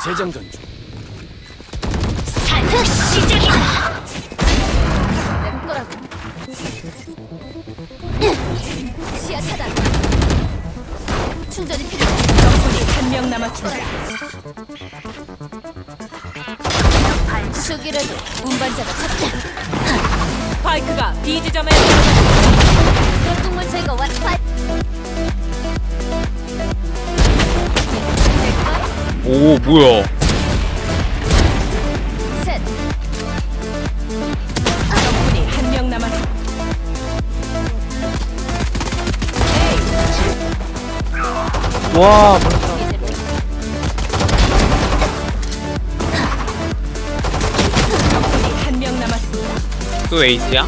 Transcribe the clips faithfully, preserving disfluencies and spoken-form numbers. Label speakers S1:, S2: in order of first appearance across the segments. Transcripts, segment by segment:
S1: 재장전 중.
S2: 산후 시작이다. 내 거라고. 시야 차단. 충전이 필요해.
S3: 적군이 한 명 남았습니다.
S2: 수기라도 운반자가 찾다.
S3: 스파이크가 B 지점에
S2: 똥물 제거 완.
S4: 오 뭐야?
S2: 셋.
S3: 적군이 한 명 남았습니다.
S4: 와
S2: 이대로.
S3: 적군이 한 명 남았습니다.
S4: 또 에이스야?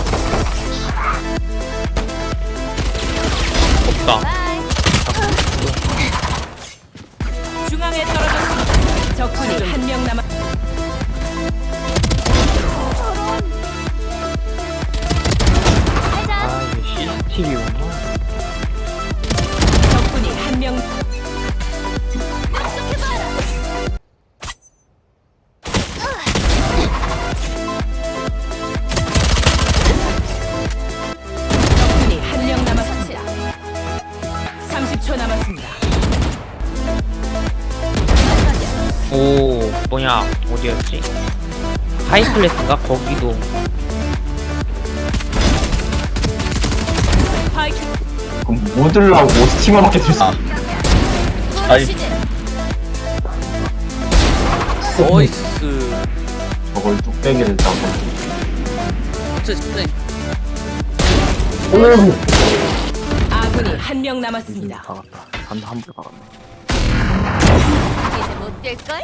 S4: 없다.
S2: 바이.
S3: 중앙에 떨어졌습니다. 적군이 한 명 남았.
S2: 알자.
S4: 아 이게 씨씨티비구나.
S3: 적군이 한 명.
S2: 약속해봐라.
S3: 적군이 한 명 남았습니다. 삼십 초 남았습니다.
S4: 오 뭐냐 어디였지? 하이클래스인가 거기도.
S3: 스파이크
S5: 그럼 뭐 들라고 스티머밖에 들 수. 아이.
S2: 시즌.
S1: 어이스.
S5: 저걸 뚝배기를 따고.
S1: 어째
S5: 오늘
S3: 아군이 한 명 남았습니다.
S5: 박았다. 한한불 박았네.
S2: 이제 못 뛸걸?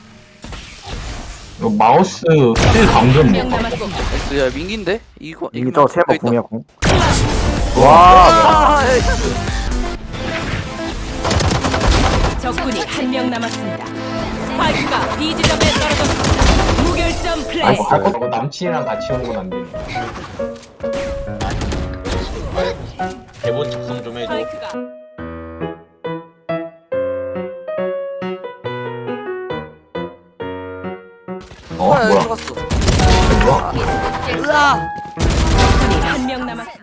S5: 이거 마우스 힐 감전
S3: 한 명
S5: 못 봐.
S3: 남았습니다.
S1: 야 민기인데? 이거
S6: 이미 저 세버
S1: 여기 있다.
S6: 공이야 공.
S1: 아, 에이.
S3: 적군이 한 명 남았습니다. 스파이크가 B 지점에 떨어졌습니다. 무결점 플레이.
S5: 아이고 아이고 저거 남친이랑 같이 오는 건 안 되네.
S7: 대본 작성 좀 해줘.
S3: 스파이크가
S5: 어
S1: 아, 여기
S5: 뭐야?
S1: 들어갔어.
S5: 뭐야?
S1: 으아!
S3: 적군이 한 명 남았습니다.